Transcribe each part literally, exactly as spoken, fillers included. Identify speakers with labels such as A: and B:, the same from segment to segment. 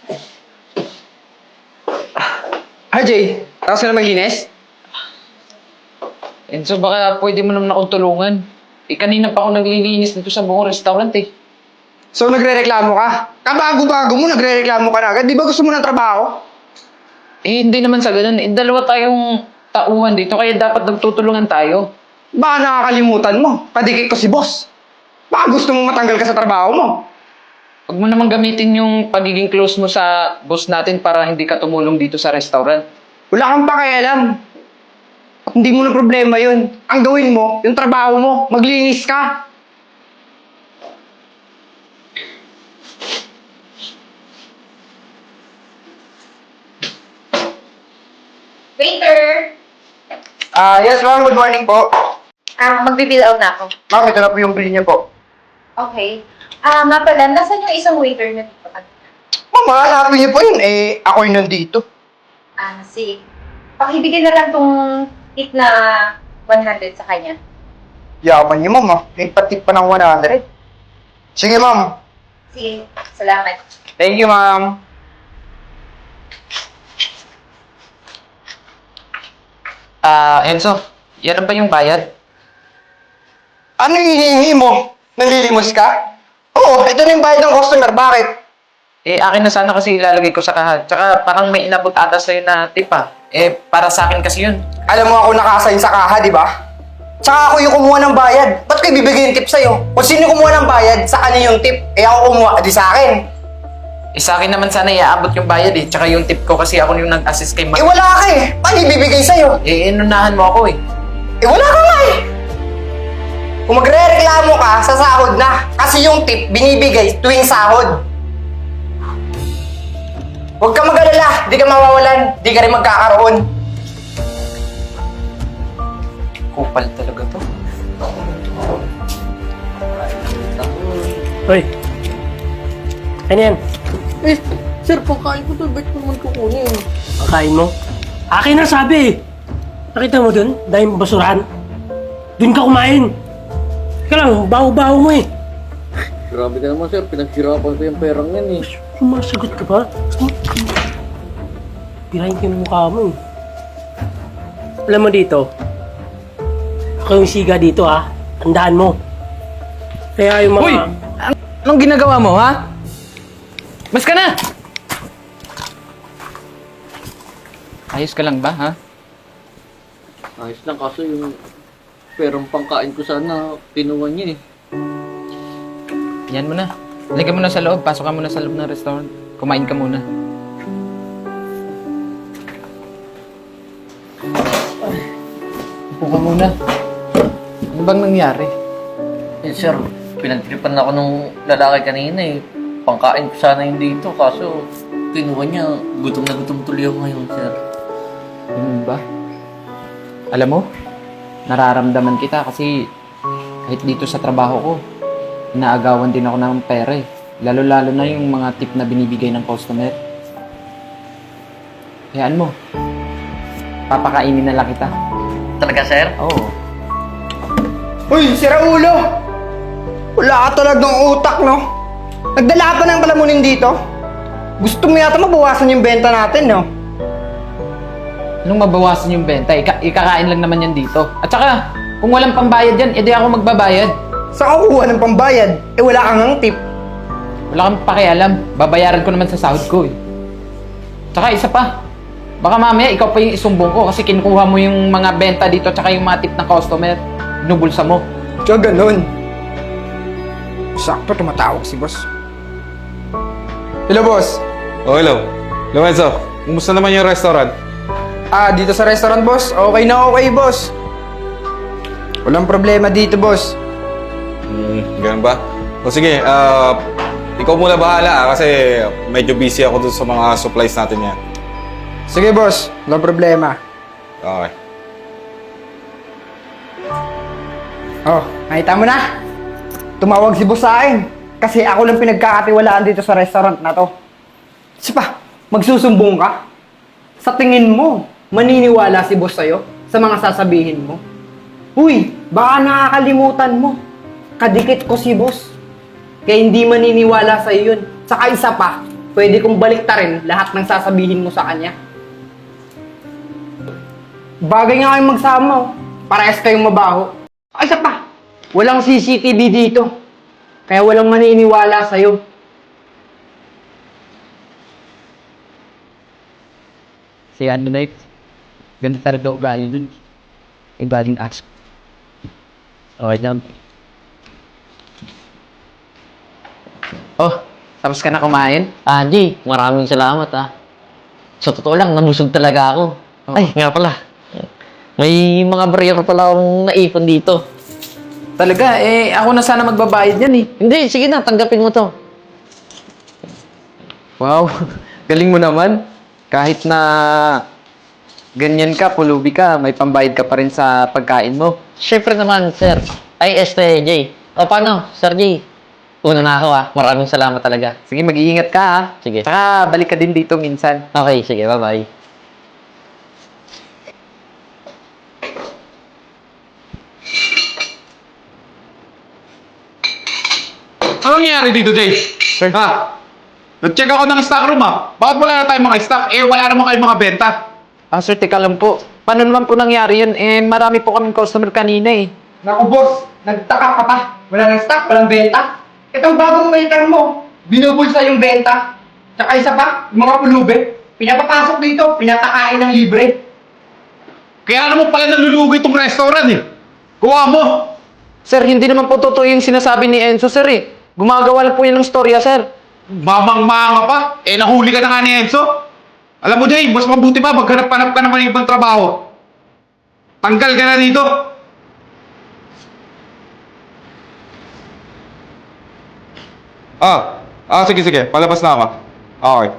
A: R J, tapos ka na maglinis?
B: Enzo, baka pwede mo naman akong tulungan. Eh, kanina pa ako naglilinis dito sa buong restaurant eh.
A: So nagre-reklamo ka? Kabago-bago mo, nagre-reklamo ka na agad. Di ba gusto mo ng trabaho?
B: Eh, hindi naman sa ganun. Eh, dalawa tayong tauhan dito, kaya dapat nagtutulungan tayo.
A: Baka nakakalimutan mo. Kadikit ko si boss. Baka gusto mong matanggal ka sa trabaho mo.
B: Huwag mo naman gamitin yung pagiging close mo sa boss natin para hindi ka tumulong dito sa restaurant.
A: Wala kang pakialam. At hindi mo na problema yun. Ang gawin mo, yung trabaho mo, maglinis ka.
C: Waiter!
A: Ah, yes ma'am, good morning po.
C: Ah, magbibill out na ako.
A: Ma'am, ito na po yung bill niya po.
C: Okay. Ah, nga pala, nasan yung isang waiter na dito?
A: Ma'am, hanapin niyo po yun. Eh, ako yung nandito.
C: Ah, sige. Pakibigyan na lang tong tip na one hundred sa kanya.
A: Yaman niyo ma'am ah. May patip pa ng one hundred. Sige ma'am.
C: Sige, salamat.
A: Thank you ma'am.
B: Ah, Enzo, yan ba yung bayad?
A: Ano yung hinihingi mo? Nalilimos ka? Oo, ito na yung bayad ng customer. Bakit?
B: Eh, akin na sana kasi ilalagay ko sa kahan. Tsaka parang may inabot ata sa'yo na tip ah. Eh, para sa akin kasi yun.
A: Alam mo ako nakasign sa kaha, di ba? Tsaka ako yung kumuha ng bayad. Ba't ko ibibigay yung tip sa'yo? Kung sino kumuha ng bayad, sa kanya yung tip. Eh ako kumuha, di sa akin.
B: Eh, sa akin naman sana iaabot yung bayad eh. Tsaka yung tip ko kasi ako yung nag-assist kay
A: Eh
B: Ma...
A: wala ka eh. Paano ibibigay sa'yo?
B: Eh, inunahan mo ako eh.
A: Eh wala ka nga eh. Kung magre-reklamo ka, sa sahod na. Kasi yung tip, binibigay tuwing sahod. Huwag ka mag-alala, di ka mawawalan, di ka rin magkakaroon.
B: Kupal talaga to.
D: Hoy! Ano yan?
E: Eh, sir, pagkain ko to, ba't naman kukunin?
D: Kakain mo? Akin na sabi eh! Nakita mo dun? Dahil basurahan? Dun ka kumain! Ika lang, baho-baho mo eh!
E: Grabe ka naman, sir. Pinaghirapan ko yung perang yan eh.
D: Sumasagot ka ba? Pirahin ko yung mukha mo eh. Alam mo dito, ako yung siga dito ha. Tandaan mo. Kaya yung mga...
B: Uy! Anong ginagawa mo, ha? Mas ka na! Ayos ka lang ba, ha?
E: Ayos lang, kaso yung perang pangkain ko sana, kinuha niya eh.
B: Yan mo na. Halika mo na sa loob. Pasok ka muna sa loob ng restaurant. Kumain ka muna. Upo ka muna. Ano bang nangyari?
E: Eh, sir, pinagtripan ako nung lalaki kanina eh. Pangkain ko sana yung dito, kaso kinuha niya. Gutom na gutom tuloy ako ngayon, sir.
B: Ganun ba? Alam mo, nararamdaman kita kasi kahit dito sa trabaho ko, inaagawan din ako ng pera eh. Lalo-lalo na yung mga tip na binibigay ng customer. Hayaan mo. Papakainin na lang kita.
E: Talaga, sir?
B: Oo.
A: Uy, sira ulo! Wala ka talagang utak, no? Nagdala pa ng palamunin dito? Gusto mo yata mabawasan yung benta natin, no?
B: Anong mabawasan yung benta? Ika ikakain lang naman yan dito. At saka, kung walang pambayad yan, edi ako magbabayad.
A: Saan ka kukuha ng pambayad? Eh wala kang ang tip.
B: Wala kang pakialam. Babayaran ko naman sa sahod ko eh. Tsaka isa pa. Baka mamaya ikaw pa yung isumbong ko kasi kinukuha mo yung mga benta dito tsaka yung mga tip ng customer. Binubulsa mo.
A: Tsaka ganun. Sakto tumatawag si boss. Hello, boss.
F: Oh, hello. Lorenzo, kumusta naman yung restaurant?
A: Ah, dito sa restaurant, boss. Okay na okay, boss. Walang problema dito, boss.
F: Hmm, ganun ba? O sige, ah, ikaw muna bahala ah, kasi medyo busy ako dun sa mga supplies natin yan.
A: Sige, boss. Walang problema.
F: Okay.
A: Oh, nakita mo na? Tumawag si boss sa akin. Kasi ako lang pinagkakatiwalaan dito sa restaurant na to. Kasi pa, magsusumbong ka? Sa tingin mo, maniniwala si boss sa'yo sa mga sasabihin mo? Uy, baka nakakalimutan mo. Kadikit ko si boss. Kaya hindi maniniwala sa'yo yun. Saka isa pa, pwede kong baliktarin lahat ng sasabihin mo sa kanya. Bagay nga kayong magsama, oh. Parehas kayong mabaho. Ay, isa pa, walang C C T V dito. Kaya walang maniniwala sa'yo.
B: Si ano na ganda talaga ugali dun. Ibaling ask. Okay lang. Oh, tapos ka na kumain?
E: Andy, maraming salamat ah. Sa totoo lang, nabusog talaga ako.
B: Oo.
E: Ay, nga pala. May mga barya pala akong naipon dito.
B: Talaga, eh, ako na sana magbabayad yan eh.
E: Hindi, sige na, tanggapin mo to.
B: Wow, galing mo naman. Kahit na ganyan ka, pulubi ka, may pambayad ka pa rin sa pagkain mo.
E: Siyempre naman, sir. Ay, este, Jay. O, paano, Sir Jay? Una na ako ah. Maraming salamat talaga.
B: Sige, mag-iingat ka ha.
E: Sige.
B: Saka balik ka din dito minsan.
E: Okay, sige, bye-bye.
F: Anong nangyari dito, Jay?
B: Sir.
F: Ha? Nag-check ako ng stock room ah. Bakit wala na tayong mga stock? Eh, wala naman kayong mga benta.
B: Ah, sir, teka lang po. Paano naman po nangyari yun? Eh, marami po kaming customer kanina eh.
A: Naku, boss, nagtaka ka pa. Wala nang stock, walang benta. Itong bagong waiter mo, binubulsa yung benta. Tsaka isa pa, yung mga pulubi, pinapapasok dito, pinatakain ng libre.
F: Kaya naman pala nalulugi itong restaurant eh. Kuha mo.
B: Sir, hindi naman po totoo yung sinasabi ni Enzo, sir eh. Gumagawa lang po yun ng storya, sir.
F: Mamang-manga pa. Eh, nahuli ka na nga ni Enzo. Alam mo, Jay, mas mabuti pa maghanap-hanap ka naman ng ibang trabaho. Tanggal ka na dito. Ah, ah, sige, sige. Palabas na ako. Okay.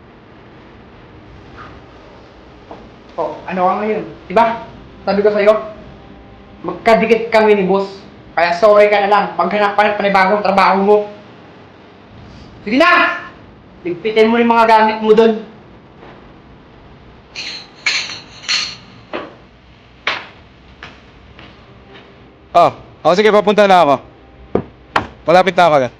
A: Oh, ano ka ngayon? Diba? Sabi ko sa'yo, magkadikit kami ni boss. Kaya sorry ka na lang, paghanap pa ng panibagong trabaho mo. Sige na! Ligpitin mo yung mga gamit mo doon.
F: Ah, oh, sige, papunta na ako. Malapit na ako na.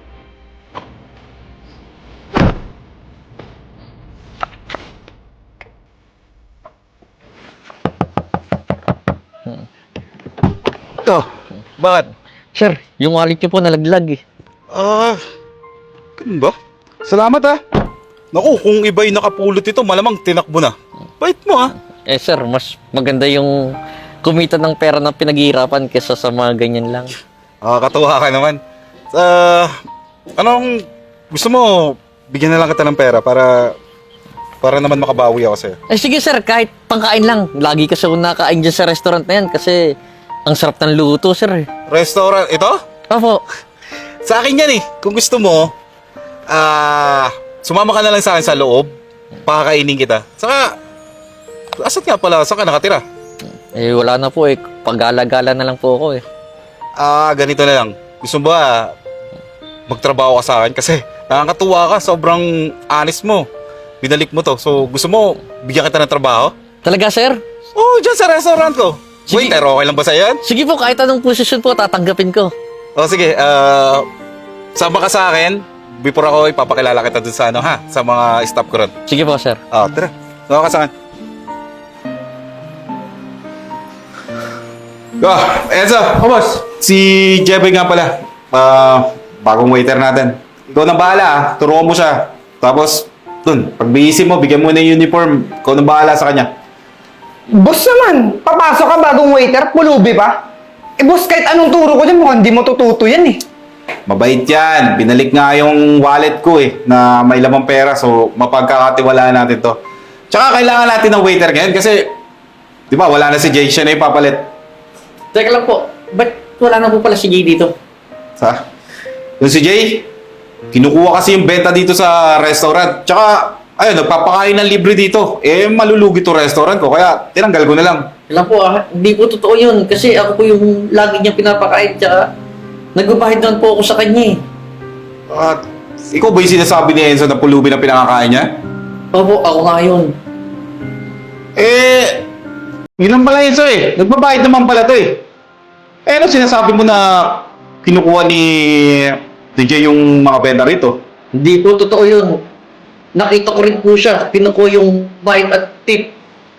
F: Ito, bakit?
E: Sir, yung wallet niyo po nalaglag eh.
F: Ah, ganun ba? Salamat ah. Naku, kung iba yung nakapulot ito, malamang tinakbo na. Bait mo ah.
E: Eh sir, mas maganda yung kumita ng pera na pinaghihirapan kesa sa mga ganyan lang.
F: Ah, katuwa ka naman. Ah, anong gusto mo? Bigyan na lang kita ng pera para para naman makabawi ako sa'yo.
E: Eh sige sir, kahit pangkain lang. Lagi kasi ako nakain dyan sa restaurant na yan kasi ang sarap ng luto sir eh.
F: Restaurant, ito?
E: Opo.
F: Sa akin yan eh. Kung gusto mo, ah, sumama ka na lang sa akin sa loob. Pakakainin kita. Saka, asan nga pala? Saan ka nakatira?
E: Eh wala na po eh. Pag-gala-gala na lang po ako eh.
F: Ah, ganito na lang. Gusto mo ba magtrabaho ka sa akin? Kasi nakakatuwa ka. Sobrang honest mo. Binalik mo to. So, gusto mo bigyan kita ng trabaho?
E: Talaga sir?
F: Oo, oh, dyan sa restaurant ko.
E: Sige.
F: Waiter, okay lang ba sa'yo yan?
E: Sige po, kahit anong posisyon po, tatanggapin ko.
F: O sige, ah, sama ka sa akin. Before ako, ipapakilala kita dun sa ano ha? Sa mga staff ko ron.
E: Sige po sir.
F: Ah, tara. Sama ka sa akin. Ah, Enzo!
A: Oh, boss.
F: Si Jeboy nga pala. Ah, bagong waiter natin. Ikaw na bahala ah. Turuan mo siya. Tapos, dun, pag bihisin mo, bigyan mo na yung uniform. Ikaw na bahala sa kanya.
A: Boss naman, papasok ka bagong waiter, pulubi pa. Eh boss, kahit anong turo ko dyan, mukhang di mo tututo yan eh.
F: Mabait yan. Binalik nga yung wallet ko eh, na may lamang pera. So, mapagkakatiwalaan natin to. Tsaka kailangan natin ng waiter ngayon kasi, di ba, wala na si Jay. Siya na yung papalit.
E: Teka lang po, ba't wala na po pala si Jay dito?
F: Sa? Yung si Jay, kinukuha kasi yung benta dito sa restaurant. Tsaka, ayun, nagpapakain ng libre dito. Eh, malulugi to restaurant ko. Kaya, tinanggal ko na lang.
E: Alam po ah, hindi po totoo yun. Kasi ako po yung lagi niya pinapakain. Tsaka, nagbabahid naman po ako sa kanya eh.
F: At, ikaw ba yung sinasabi ni Enzo na pulubi na pinakakain niya?
E: Opo, ako nga yun.
F: Eh, yun lang pala Enzo eh. Nagbabayad naman pala to eh. Eh, ano sinasabi mo na kinukuha ni D J yung mga benta rito?
E: Hindi po totoo yun. nakita ko rin po siya. Kinukuha yung bayad at tip.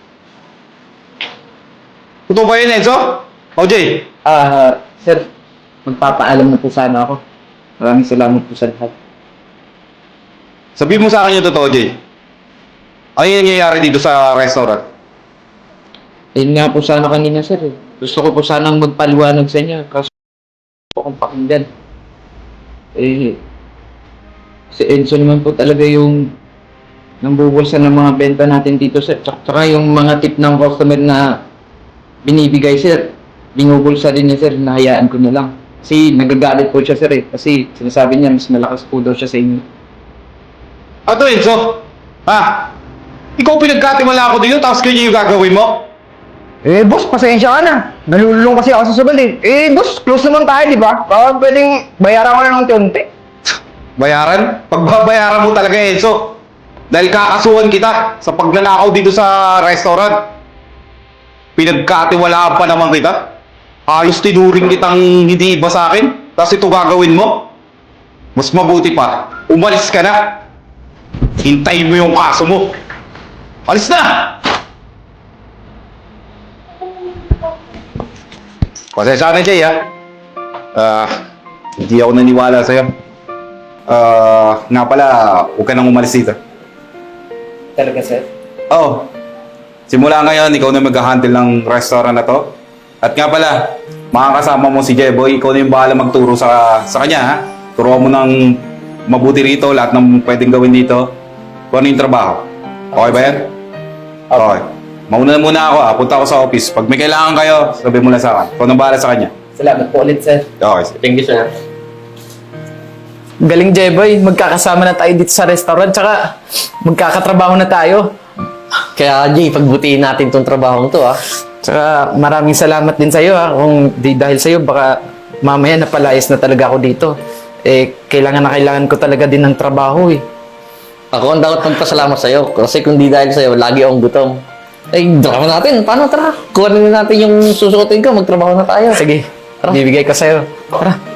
F: Totoo ba yun, Enzo? O, Jay?
B: Ah, sir, magpapaalam na po sana ako. Maraming salamat po sa lahat.
F: Sabihin mo sa akin yung totoo, Jay. Ano yung nangyayari dito sa restaurant?
B: Ayun nga po sana kanina, sir. Eh. Gusto ko po sanang magpaliwanag sa inyo. Kaso po akong pakinggan. Eh, si Enzo naman po talaga yung nambubulsa ng mga benta natin dito, sir. Tsaka, tsaka yung mga tip ng customer na binibigay, sir. Binubulsa din niya, sir. Nahayaan ko na lang. Kasi nagagalit po siya, sir. Eh. Kasi sinasabi niya, mas malakas po daw siya sa inyo.
F: Ato, Enzo? Ha? Ikaw pinagkatiwala ako dito, tapos ganyan yung gagawin mo?
A: Eh, boss, pasensya ka na. Nalululong kasi ako sa sugal eh. Eh, boss, close naman tayo, di ba? Baka pwedeng bayaran ko na ng unti-unti.
F: Bayaran? Pagbabayaran mo talaga, Enzo. Dahil kakasuhan kita sa pagnanakaw dito sa restaurant. Pinagkatiwalaan pa naman kita. Ayos tinuring kitang hindi iba sa akin. Tapos ito gagawin mo. Mas mabuti pa, umalis ka na. Hintayin mo yung kaso mo. Alis na! Pasensya ka na, Jay, ha? Ah, hindi ako naniwala sa'yo. Ah, nga pala, huwag ka nang umalis dito.
B: Talaga, sir?
F: Oo. Simula ngayon, ikaw na mag-handle ng restaurant na to. At nga pala, makakasama mo si Jeboy, ikaw na yung bahala magturo sa, sa kanya, ha? Turuan mo ng mabuti rito, lahat ng pwedeng gawin dito. Kung ano yung trabaho. Okay ba yan? Okay. Mauna na muna ako, ha? Punta ako sa office. Pag may kailangan kayo, sabi mo lang sa akin. Ikaw na bahala sa kanya.
B: Salamat po ulit, sir.
F: Okay.
E: Thank you, sir.
B: Galing, Jeboy. Magkakasama na tayo dito sa restaurant. Tsaka, magkakatrabaho na tayo.
E: Kaya, Jay, pagbutihin natin tong trabaho to, ah.
B: Tsaka, maraming salamat din sa'yo, ha. Kung di dahil sa'yo, baka mamaya napalayas na talaga ako dito. Eh, kailangan na kailangan ko talaga din ng trabaho, eh.
E: Ako ang dapat magpasalamat sa'yo. Kasi kung di dahil sa'yo, lagi akong gutom. Eh, drama natin. Paano, tara? Kuha na natin yung susuotin ko. Magtrabaho na tayo.
B: Sige, bibigay ko sa'yo. Tara.